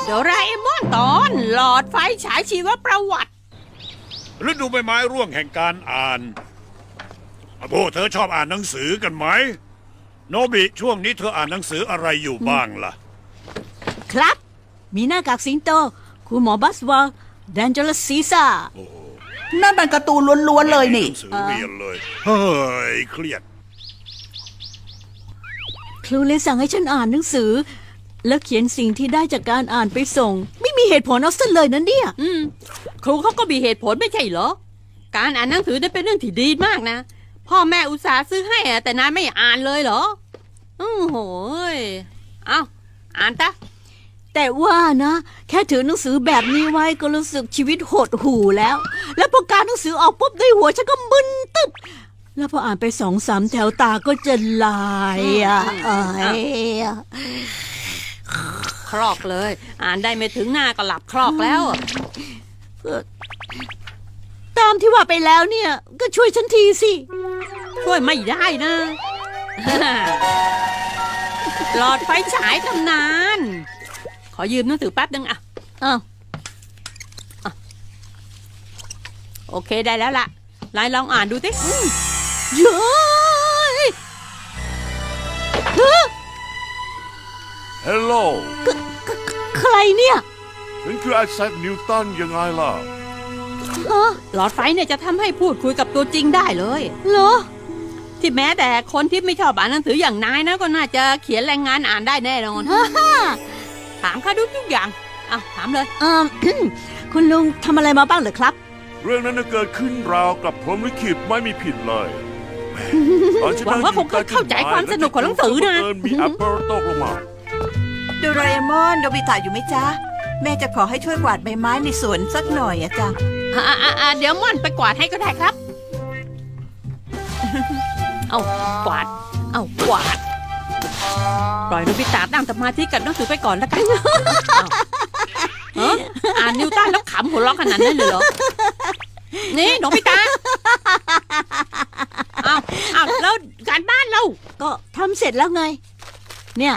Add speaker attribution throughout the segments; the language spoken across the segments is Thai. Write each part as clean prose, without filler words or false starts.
Speaker 1: โดราเอมอนตอนหลอดไฟฉายชีวประวัติ
Speaker 2: ฤดูใบไม้ร่วงแห่งการอ่านพวกเธอชอบอ่านหนังสือกันไหมโนบิช่วงนี้เธออ่านหนังสืออะไรอยู่บ้างล่ะ
Speaker 3: ครับมีหน้ากากสิงโตคุณหมอบัสวอลแดนเจอร์ซีซ่า
Speaker 4: นั่นมันการ์ตูนล้วนๆเลยนี่
Speaker 2: หนังสือเรียนเลยเฮ้ยเครียด
Speaker 3: ครูเลยสั่งให้ฉันอ่านหนังสือแล้วเขียนสิ่งที่ได้จากการอ่านไปส่งไม่มีเหตุผลเอาซะเลยนั่นเนี่ย
Speaker 1: ครูเขาก็มีเหตุผลไม่ใช่เหรอการอ่านหนังสือได้เป็นเรื่องที่ดีมากนะพ่อแม่อุตส่าห์ซื้อให้แต่นายไม่อ่านเลยเหรอโหยเอาอ่านตะ
Speaker 3: แต่ว่านะแค่ถือหนังสือแบบนี้ไว้ก็รู้สึกชีวิตหดหู่แล้วพอการหนังสือออกปุ๊บด้วยหัวฉันก็มึนตึ๊บแล้วพออ่านไป2-3แถวตาก็จะลาย
Speaker 1: ครอกเลยอ่านได้ไม่ถึงหน้าก็หลับครอกแล้ว
Speaker 3: ตามที่ว่าไปแล้วเนี่ยก็ช่วยฉันทีสิ
Speaker 1: ช่วยไม่ได้นะหลอดไฟฉายตำนานขอยืมหนังสือแป๊บนึงโอเคได้แล้วล่ะนายลองอ่านดูสิ
Speaker 3: เย้ย
Speaker 5: ฮัลโหล
Speaker 3: ใครเนี่ย
Speaker 5: ฉันคือไอแซคนิวตันยังไงล่ะ
Speaker 1: หลอดไฟเนี่ยจะทำให้พูดคุยกับตัวจริงได้เลย
Speaker 3: เหรอ
Speaker 1: ที่แม้แต่คนที่ไม่ชอบอ่านหนังสืออย่างนายนะก็น่าจะเขียนรายงานอ่านได้แน่นอนถามข้าทุกอย่างถามเลย
Speaker 3: คุณลุงทำอะไรมาบ้างเหรอครับ
Speaker 5: เรื่องนั้นเกิดขึ้นราวกับพรหมลิขิตไม่มีผิดเลย
Speaker 1: หวังว่าคงเข้าใจความสนุกของหนังสือนะ
Speaker 5: มีแอปเปิลตกลงมา
Speaker 4: โดราเอมอนโนบิตะอยู่ไหมจ๊ะแม่จะขอให้ช่วยกวาดใบไม้ในสวนสักหน่อยอะจ๊ะ
Speaker 1: เดี๋ยวม่อนไปกวาดให้ก็ได้ครับเอากวาดกวาดปล่อยโนบิตะนั่งสมาธิกับหนังสือไปก่อนแล้วกันอ่านนิวตันแล้วขำหัวเราะขนาดนั้นเลยเหรอนี่โนบิตะแล้วการบ้านเรา
Speaker 3: ก็ทำเสร็จแล้วไงเนี่ย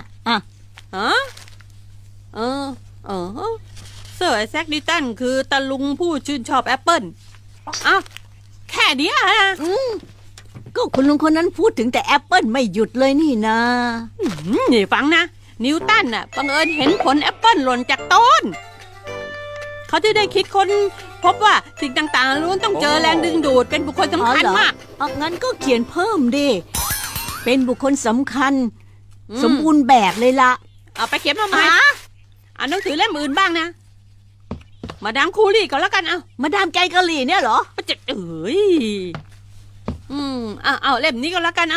Speaker 1: เซอร์ไอแซคนิวตันคือตะลุงผู้ชื่นชอบแอปเปิ้ลแค่นี้
Speaker 3: ก็คุณลุงคนนั้นพูดถึงแต่แอปเปิ้ลไม่หยุดเลยนี่นะ
Speaker 1: นี่ฟังนะนิวตันบังเอิญเห็นผลแอปเปิ้ลหล่นจากต้นเขาที่ได้คิดค้นพบว่าสิ่งต่างๆล้วนต้องเจอแรงดึงดูดเป็นบุคคลสำคัญมาก
Speaker 3: งั้นก็เขียนเพิ่มดิเป็นบุคคลสำคัญสมบูรณ์แบบเลยละ
Speaker 1: เอาไปเขียนมาใหม่หนังสือเล่มอื่นบ้างนะมาดามคูรี่ก็แล้วกัน
Speaker 3: มาดามแกงกะหรี่เนี่ยเหรอ
Speaker 1: จะเอาเล่มนี้ก็แล้วกัน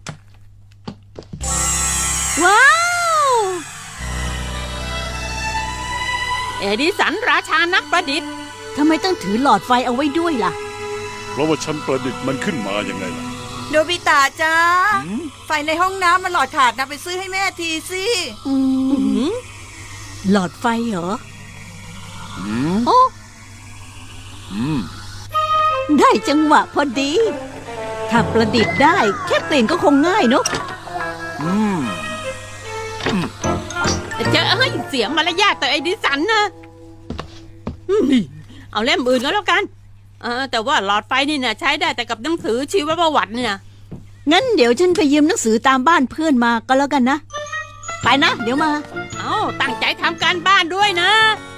Speaker 3: ว้าว
Speaker 1: เอดิสันราชานักประดิษฐ์
Speaker 3: ทำไมต้องถือหลอดไฟเอาไว้ด้วยล่ะ
Speaker 5: เพราะว่าฉันประดิษฐ์มันขึ้นมายังไงล่ะ
Speaker 4: โนบิตะจ้าไฟในห้องน้ำมันหลอดขาดนะไปซื้อให้แม่ทีสิ
Speaker 3: หลอดไฟเหรอได้จังหวะพอดีถ้าประดิษฐ์ได้แค่เปลี่ยนก็คงง่ายเนอะ
Speaker 1: เสียงมารยาทต่อไอดิสันนะเอาเล่มอื่นก็แล้วกันแต่ว่าหลอดไฟนี่นะใช้ได้แต่กับหนังสือชีวประวัติเนี่ย
Speaker 3: งั้นเดี๋ยวฉันไปยืมหนังสือตามบ้านเพื่อนมาก็แล้วกันนะไปนะเดี๋ยวมา
Speaker 1: ตั้งใจทำการบ้านด้วยนะ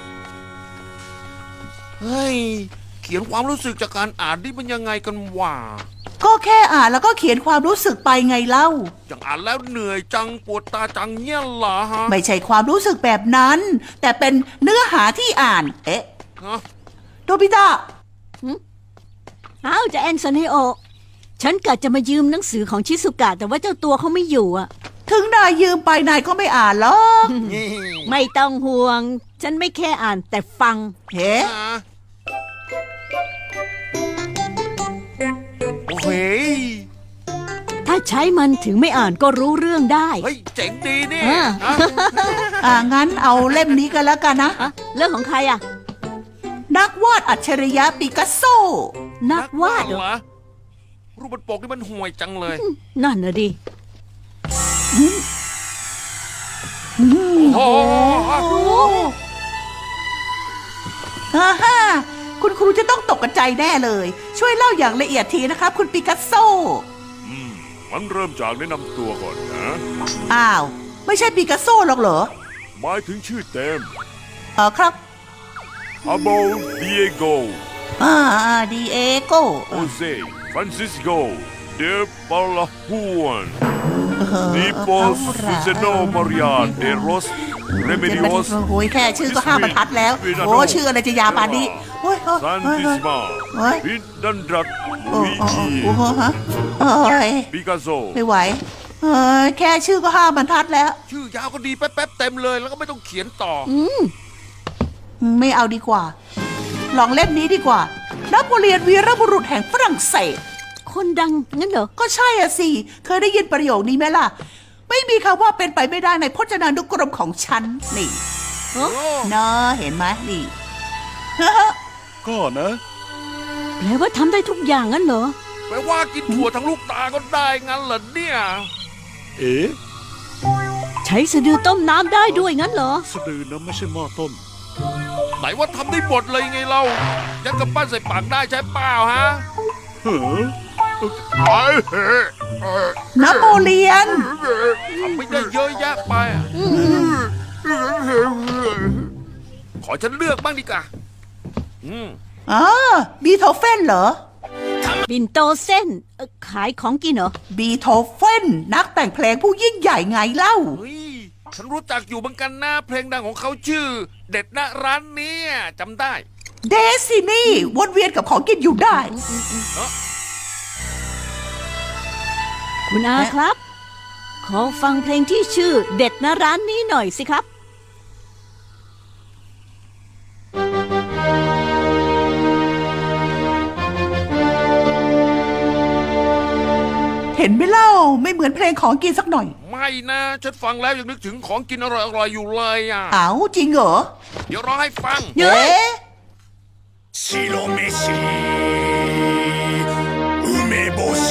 Speaker 5: เฮ้ยเขียนความรู้สึกจากการอ่านนี่มันยังไงกันวะ
Speaker 4: ก็แค่อ่านแล้วก็เขียนความรู้สึกไปไงเล่า
Speaker 5: อย่างอ่านแล้วเหนื่อยจังปวดตาจังเนี่ยเหรอฮะ
Speaker 4: ไม่ใช่ความรู้สึกแบบนั้นแต่เป็นเนื้อหาที่อ่านโดบิตะ
Speaker 3: จะแอนซันเฮโอฉันกะจะมายืมหนังสือของชิซุกะแต่ว่าเจ้าตัวเขาไม่อยู่
Speaker 4: ถึงนายยืมไปนายก็ไม่อ่านหรอก
Speaker 3: ไม่ต้องห่วงฉันไม่แค่อ่านแต่ฟัง
Speaker 5: โอ้โห
Speaker 3: ถ้าใช้มันถึงไม่อ่านก็รู้เรื่องได้
Speaker 5: เฮ้ยเจ๋งดีนี่
Speaker 4: งั้นเอาเล่มนี้กันแล้วกันนะ
Speaker 3: เรื่องของใคร
Speaker 4: นักวาดอัจฉริยะปิกัสโซ
Speaker 3: นักวาดเหรอ
Speaker 5: รูปบนปกนี่มันห่วยจังเลย
Speaker 3: นั่นน่ะดิ
Speaker 5: โอ้โห
Speaker 4: ฮ่าฮ่าคุณครูจะต้องตกใจแน่เลย ช่วยเล่าอย่างละเอียดทีนะครับ คุณปิกัสโซ
Speaker 6: มันเริ่มจากแนะนำตัวก่อนนะ
Speaker 4: อ้าว ไม่ใช่ปิกัสโซหรอกเหรอ
Speaker 6: หมายถึงชื่อเต็ม
Speaker 4: ครับ
Speaker 6: อาโบดิเอโก
Speaker 4: ดีเอโก
Speaker 6: โอเซฟรานซิสโกเดปาลาฮวนนิโปสฟิเซโนมาริอาเดโรสเรเมดิโอส
Speaker 4: โอ้ยแค่ชื่อก็5 บรรทัดแล้ว โอ้ชื่ออะไรจะยาวปานนี้โอ้ย
Speaker 6: ซันติสมา
Speaker 4: โอ้ย
Speaker 6: พิดันดรัก
Speaker 4: โอ้
Speaker 6: ลุย
Speaker 4: โอ้
Speaker 6: จี
Speaker 4: โอ้โหฮะโอ้ย
Speaker 6: ปิกัสโซ
Speaker 4: ไม่ไหวแค่ชื่อก็5 บรรทัดแล้ว
Speaker 5: ชื่อยาวก็ดีแป๊บๆเต็มเลยแล้วก็ไม่ต้องเขียนต่อ
Speaker 4: ไม่เอาดีกว่า ลองเล่มนี้ดีกว่า นโปเลียนวีรบุรุษแห่งฝรั่งเศส
Speaker 3: คนดังงั้นเหรอ
Speaker 4: ก็ใช่อะสิ เคยได้ยินประโยคนี้ไหมล่ะ ไม่มีคำว่าเป็นไปไม่ได้ในพจนานุกรมของฉัน นี่เนาะเห็นไหมนี่
Speaker 2: ก็นะ
Speaker 3: แปลว่าทำได้ทุกอย่างงั้นเหรอ
Speaker 5: แปลว่ากินถั่วทั้งลูกตาก็ได้งั้นเหรอเนี่ย
Speaker 2: เอ๊ะ
Speaker 3: ใช้สะดือต้มน้ำได้ด้วยงั้นเหรอ
Speaker 2: สะดือนะไม่ใช่หม้อต้ม
Speaker 5: ไหนว่าทำได้หมดเลยไงเรายัดกำปั้นใส่ปากได้ใช่เปล่าฮะ
Speaker 2: เฮ้อ
Speaker 4: นโปเลียน
Speaker 5: ทำไม่ได้เยอะแยะไปอะขอฉันเลือกบ้างดีกว่าอืม
Speaker 4: บีโธเฟนเหรอ
Speaker 3: บินโตเส้นขายของกินเหรอ
Speaker 4: บีโธเฟนนักแต่งเพลงผู้ยิ่งใหญ่ไงเล่า
Speaker 5: เฮ้ยฉันรู้จักอยู่เหมือนกันนะเพลงดังของเขาชื่อ เด็ดนะร้านเนี้จำได้
Speaker 4: เดซินี่วนเวียนกับของกินอยู่ได้
Speaker 3: คุณอาครับ ขอฟังเพลงที่ชื่อเด็ดนะร้านนี้หน่อยสิครับ
Speaker 4: เห็นไหมเล่า ไม่เหมือนเพลงของกินสักหน่อย
Speaker 5: ไม่นะฉันฟังแล้วยังนึกถึงของกินอร่อยๆอยู่เลยอ่ะ
Speaker 4: เอาจริงเหรอ
Speaker 5: เดี๋ยวรอให้ฟัง
Speaker 4: เอ๊ะ
Speaker 2: 白飯梅干し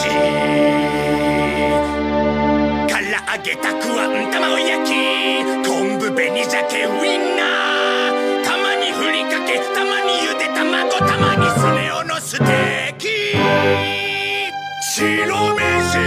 Speaker 2: 唐揚げたくあん卵焼き昆布紅鮭ウインナーたまにふりかけたまにゆで卵たまにスネ夫のステーキ白飯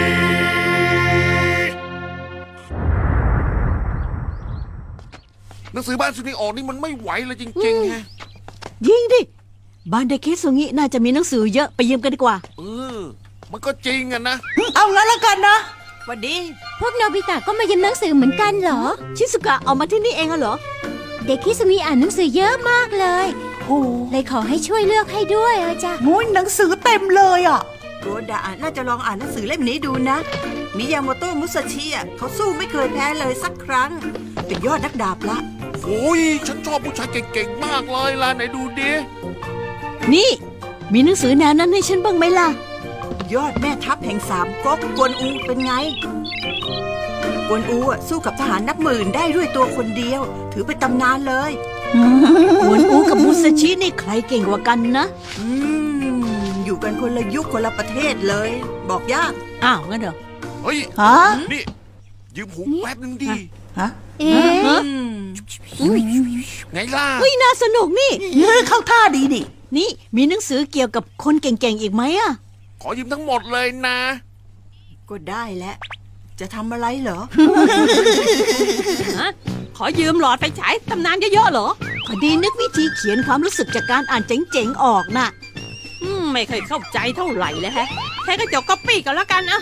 Speaker 5: หนังสือบ้านสุนีออกนี่มันไม่ไหวเลยจริงๆฮะ
Speaker 3: ยิงดิ บ้านเด็กเคสุงิน่าจะมีหนังสือเยอะไปยืมกันดีกว่า
Speaker 5: เออ มันก็จริงอะนะ
Speaker 4: เอางั้นแล้วกันนะวันดี
Speaker 7: พวกโนบิตะก็มายืมหนังสือเหมือนกันเหรอ
Speaker 3: ชิสุกะเอามาที่นี่เองเหรอ
Speaker 7: เด็กคิสุงิอ่านหนังสือเยอะมากเลย
Speaker 4: โอ้
Speaker 7: เลยขอให้ช่วยเลือกให้ด้วยจ้ะ
Speaker 4: โหหนังสือเต็มเลยอ่ะ
Speaker 8: โกดะน่าจะลองอ่านหนังสือเล่มนี้ดูนะ มิยาโมโตะมุสชิอ่ะเขาสู้ไม่เคยแพ้เลยสักครั้ง เป็นยอดนักดาบละ
Speaker 5: โอ้ย ฉันชอบผู้ชายเก่งๆ มากเลยล่ะไหนดูดิ
Speaker 3: นี่ มีหนังสือแนวนั้นให้ฉันบ้างไหมล่ะ
Speaker 8: ยอดแม่ทัพแห่ง3ก๊กกวนอูเป็นไง กวนอูอ่ะสู้กับทหารนับหมื่นได้ด้วยตัวคนเดียว ถือเป็นตำนานเลย
Speaker 3: หวนอูกับมุสชินี่ใครเก่งกว่ากันนะ
Speaker 8: อยู่กันคนละยุคคนละประเทศเลย บอกยาก
Speaker 3: อ้าวงั้นเหรอ
Speaker 5: เฮ้ย
Speaker 4: ฮะ
Speaker 5: นี่ ยืมหูแป๊บนึงดิ
Speaker 4: ฮะ
Speaker 7: เอ๊ะ
Speaker 3: ฮะ
Speaker 5: ไงล่ะ
Speaker 3: เฮ้ยน่าสนุกนี่
Speaker 4: เข้าท่าดีนี่
Speaker 3: นี่มีหนังสือเกี่ยวกับคนเก่งๆอีกไหมอะ
Speaker 5: ขอยืมทั้งหมดเลยนะ
Speaker 8: ก็ได้แหละ จะทำอะไรเหรอ
Speaker 1: ฮะขอยืมหลอดไฟฉายตำนานเยอะๆเหรอ
Speaker 3: พอดีนึกวิธีเขียนความรู้สึกจากการอ่านเจ๋งๆออกน่ะ
Speaker 1: ไม่เคยเข้าใจเท่าไหร่เลยแฮะแค่กระจกก๊อปปี้กันแล้วกันนะ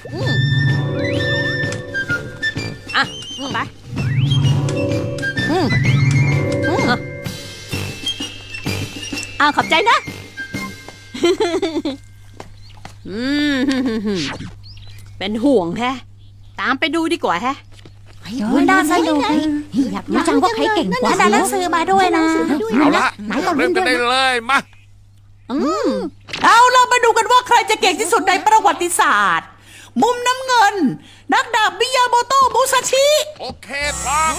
Speaker 1: อ่ะไปอ่ะ
Speaker 3: อ้าวขอบใจนะ
Speaker 1: อืมเป็นห่วงแฮะ ตามไปดูดีกว่าแฮะ
Speaker 7: น่าสนุกอยากรู้จังว่าใครเก่งกว่าหนังสือมาด้วยนะ
Speaker 5: เอาละ
Speaker 7: ไหนลอง
Speaker 5: เริ่
Speaker 7: เล่
Speaker 5: ม
Speaker 7: น
Speaker 5: กัน
Speaker 7: ด้ว
Speaker 5: ได้
Speaker 7: ยนะ
Speaker 5: เลยมา
Speaker 4: เอาเรามาดูกันว่าใครจะเก่งที่สุดในประวัติศาสตร์ มุมน้ำเงิน นักดาบมิยาโมโตะมุซาชิ
Speaker 5: โอเคพร้อม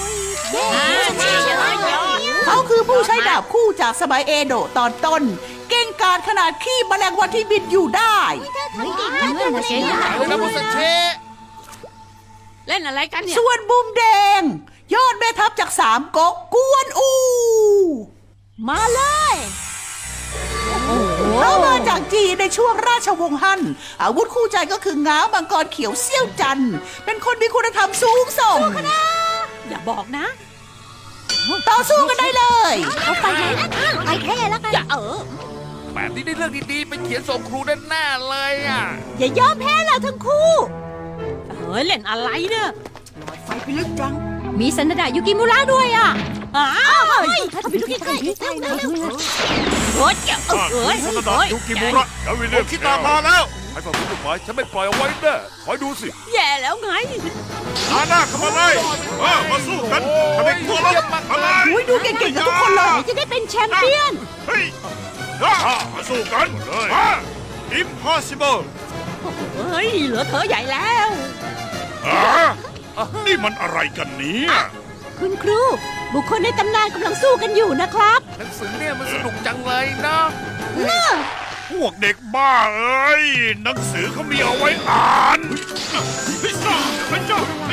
Speaker 4: เขาคือผู้ใช้ดาบคู่จากสมัยเอโดะตอนต้น เก่งกาจขนาดขี้แมลงวันที่บินอยู่ได้
Speaker 5: เอาเลยนะมุสเช
Speaker 1: เล่นอะไรกันเนี่ย
Speaker 4: ส่วนมุมแดง ยอดแม่ทัพจาก3ก๊กกวนอู
Speaker 3: มาเลย
Speaker 4: เขามาจากจีนในช่วงราชวงศ์ฮั่นอาวุธคู่ใจก็คือง้าวมังกรเขียวเซี่ยวจันทร์เป็นคนมีคุณธรรมสูงส่ง
Speaker 1: อย่าบอกนะ
Speaker 4: ต่อสู้กันได้เลย
Speaker 7: เอาไปไหนนะไปเท่แล้วกัน
Speaker 1: อย่า
Speaker 5: แบบนี้ได้เรื่องดีๆ ไปเขียนส่งครูแน่ๆเลยอ่ะ
Speaker 3: อย่ายอมแพ้เราทั้งคู่
Speaker 1: เฮ้ยเล่นอะไรเนี่ย
Speaker 8: ไฟไปลึกจัง
Speaker 1: มีสันดายุกิมุระด้วยอ่ะอ้าว
Speaker 3: ถ้าไปดูใกล้ๆ
Speaker 1: โอ้ยเอ้ย
Speaker 6: สนดายุกิมุระดาวิลเลียมคิดตามมาแล้วให้ฟังผู้หมายฉันไม่ปล่อยเอาไว้แน่คอยดูสิ
Speaker 1: แย่แล้วไง
Speaker 6: อาหน้าเข้ามาเลยมาสู้กันทำไมกลัวแล้วมาเลย
Speaker 4: อุ้ยดูเก่งๆกันทุกคนเลย
Speaker 3: จะได้เป็นแชมเปี้ยน
Speaker 6: เฮ้ยมาสู้กันเลย Impossible
Speaker 1: เฮ้ยเหลือเธอใหญ่แล้ว
Speaker 6: นี่มันอะไรกันเนี่ย
Speaker 3: คุณครู บุคคลในตำนานกำลังสู้กันอยู่นะครับ
Speaker 5: หนังสือเนี่ยมันสนุกจังเลยนะ
Speaker 6: พวกเด็กบ้าเอ้ยหนังสือเขามีเอาไว้อ่านพิซซ่าพระเจ้า